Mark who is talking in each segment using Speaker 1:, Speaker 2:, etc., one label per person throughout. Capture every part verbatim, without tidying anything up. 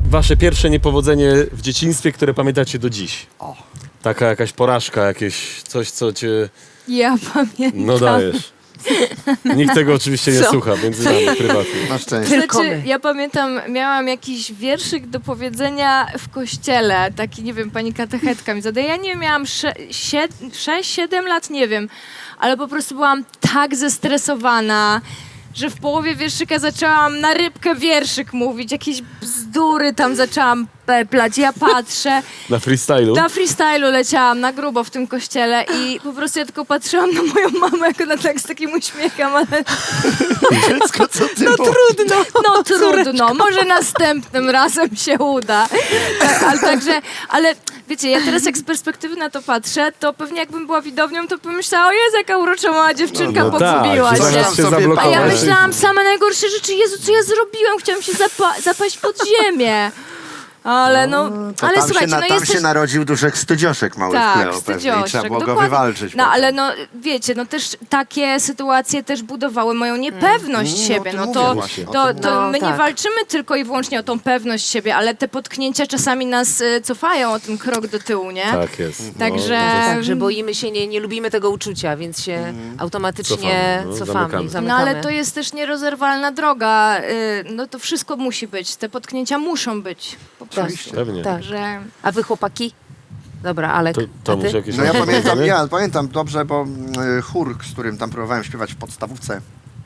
Speaker 1: wasze pierwsze niepowodzenie w dzieciństwie, które pamiętacie do dziś?
Speaker 2: O.
Speaker 1: Taka jakaś porażka, jakieś coś, co cię...
Speaker 3: Ja pamiętam.
Speaker 1: No dajesz. Nikt tego oczywiście nie
Speaker 3: Co?
Speaker 1: słucha, między nami prywatnie.
Speaker 2: Na szczęście.
Speaker 3: Znaczy, ja pamiętam, miałam jakiś wierszyk do powiedzenia w kościele, taki, nie wiem, pani katechetka mi zadaje. Ja nie wiem, miałam sześć siedem lat, nie wiem, ale po prostu byłam tak zestresowana, że w połowie wierszyka zaczęłam na rybkę wierszyk mówić, jakieś bzdury tam zaczęłam peplać. Ja patrzę,
Speaker 1: Na freestylu?
Speaker 3: na freestylu leciałam na grubo w tym kościele i po prostu ja tylko patrzyłam na moją mamę, jak ona tak z takim uśmiechem, ale
Speaker 2: Dziecko, co ty
Speaker 3: no
Speaker 2: mówisz?
Speaker 3: trudno, no trudno, może następnym razem się uda. Tak, ale także, ale wiecie, ja teraz jak z perspektywy na to patrzę, to pewnie jakbym była widownią, to pomyślała, o Jezu, jaka urocza mała dziewczynka,
Speaker 1: No tak,
Speaker 3: pogubiła
Speaker 1: że
Speaker 3: się.
Speaker 1: zamiast się
Speaker 2: Sobie
Speaker 3: A
Speaker 1: zablokować.
Speaker 3: ja
Speaker 2: Myślałeś.
Speaker 3: myślałam same najgorsze rzeczy, Jezu, co ja zrobiłem? Chciałam się zapa- zapaść pod ziemię. Ale no,
Speaker 2: To
Speaker 3: ale
Speaker 2: tam
Speaker 3: słuchajcie,
Speaker 2: się, na,
Speaker 3: no
Speaker 2: tam
Speaker 3: jesteś...
Speaker 2: się narodził duszek stydzioszek mały w
Speaker 3: Tak,
Speaker 2: Kleo pewnie i
Speaker 3: stydzioszek,
Speaker 2: trzeba było go
Speaker 3: dokładnie.
Speaker 2: wywalczyć.
Speaker 3: No
Speaker 2: potem.
Speaker 3: ale no, wiecie, no też takie sytuacje też budowały moją niepewność
Speaker 2: Mm,
Speaker 3: siebie.
Speaker 2: no
Speaker 3: No
Speaker 2: to
Speaker 3: to,
Speaker 2: mówię właśnie, o
Speaker 3: to,
Speaker 2: tym
Speaker 3: to
Speaker 4: mówię.
Speaker 3: my
Speaker 4: No,
Speaker 3: nie
Speaker 4: tak.
Speaker 3: walczymy tylko i wyłącznie o tą pewność siebie, ale te potknięcia czasami nas y, cofają o ten krok do tyłu, nie?
Speaker 1: Tak jest. No,
Speaker 3: Także-
Speaker 1: to jest-
Speaker 4: Także boimy się, nie, nie lubimy tego uczucia, więc się automatycznie
Speaker 1: Cofamy, no,
Speaker 4: cofamy,
Speaker 1: zamykamy.
Speaker 4: zamykamy.
Speaker 3: No ale to jest też nierozerwalna droga. Y, no to wszystko musi być. Te potknięcia muszą być. Po prostu.
Speaker 1: Pewnie.
Speaker 4: Tak.
Speaker 3: Że...
Speaker 4: A wy chłopaki? Dobra, Alek,
Speaker 1: To, to
Speaker 4: a
Speaker 1: może
Speaker 4: ty?
Speaker 1: jakieś...
Speaker 2: No ja
Speaker 1: masz
Speaker 2: pamiętam,
Speaker 1: powiedzenie?
Speaker 2: ja pamiętam dobrze, bo mm, chór, z którym tam próbowałem śpiewać w podstawówce,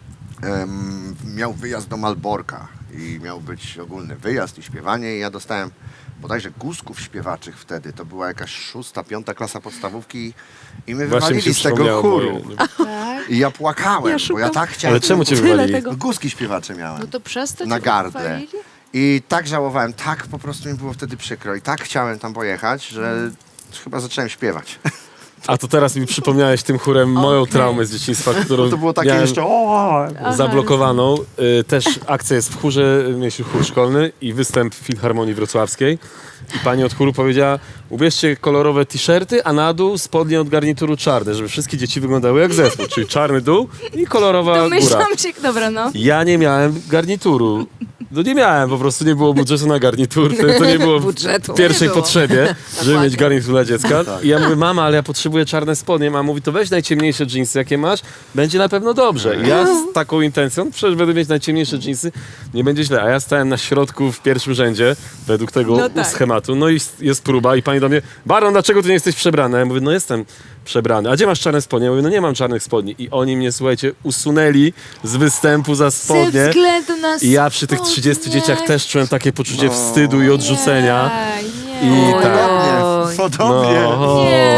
Speaker 2: em, miał wyjazd do Malborka i miał być ogólny wyjazd i śpiewanie i ja dostałem bodajże guzków śpiewaczych wtedy. To była jakaś szósta, piąta klasa podstawówki i my
Speaker 1: Właśnie mi się
Speaker 2: wywalili z tego
Speaker 1: przypomniało
Speaker 2: chóru.
Speaker 1: moje-
Speaker 2: I ja płakałem, bo ja tak chciałem...
Speaker 1: Ale czemu cię wywalili?
Speaker 2: No, guzki śpiewacze miałem.
Speaker 3: No to przez to
Speaker 2: Na
Speaker 3: cię
Speaker 2: gardle.
Speaker 3: pochwalili?
Speaker 2: I tak żałowałem, tak po prostu mi było wtedy przykro i tak chciałem tam pojechać, że chyba zacząłem śpiewać.
Speaker 1: A to teraz mi przypomniałeś tym chórem moją
Speaker 3: Okej.
Speaker 1: traumę z dzieciństwa, którą
Speaker 2: To było takie
Speaker 1: miałem
Speaker 2: jeszcze... O,
Speaker 1: zablokowaną. Y, też akcja jest w chórze, mieliśmy chór szkolny i występ w Filharmonii Wrocławskiej. I pani od chóru powiedziała, ubierzcie kolorowe t-shirty, a na dół spodnie od garnituru czarne, żeby wszystkie dzieci wyglądały jak zespół, czyli czarny dół i kolorowa góra.
Speaker 3: Domyślam się, dobra no.
Speaker 1: Ja nie miałem garnituru. No nie miałem, po prostu nie było budżetu na garnitur, to, to nie było w
Speaker 4: Budżetu.
Speaker 1: pierwszej
Speaker 4: Nie było.
Speaker 1: potrzebie, żeby mieć garnitur dla dziecka.
Speaker 2: Tak.
Speaker 1: I ja mówię, mama, ale ja potrzebuję czarne spodnie. Mama mówi, to weź najciemniejsze dżinsy, jakie masz, będzie na pewno dobrze. I ja z taką intencją, przecież będę mieć najciemniejsze dżinsy, nie będzie źle. A ja stałem na środku w pierwszym rzędzie, według tego
Speaker 3: No tak.
Speaker 1: schematu. No i jest próba i pani do mnie, Baron, dlaczego ty nie jesteś przebrany? Ja mówię, no jestem przebrany. A gdzie masz czarne spodnie? Ja mówię, no nie mam czarnych spodni. I oni mnie, słuchajcie, usunęli z występu za
Speaker 3: Ze
Speaker 1: spodnie.
Speaker 3: względu na
Speaker 1: I ja przy tych trzydziestu
Speaker 3: spodnie.
Speaker 1: dzieciach też czułem takie poczucie
Speaker 2: No.
Speaker 1: wstydu i odrzucenia.
Speaker 3: Nie, nie.
Speaker 1: I
Speaker 4: Oj,
Speaker 1: tak.
Speaker 4: oj.
Speaker 2: Podobnie, podobnie.
Speaker 1: No.
Speaker 3: Nie,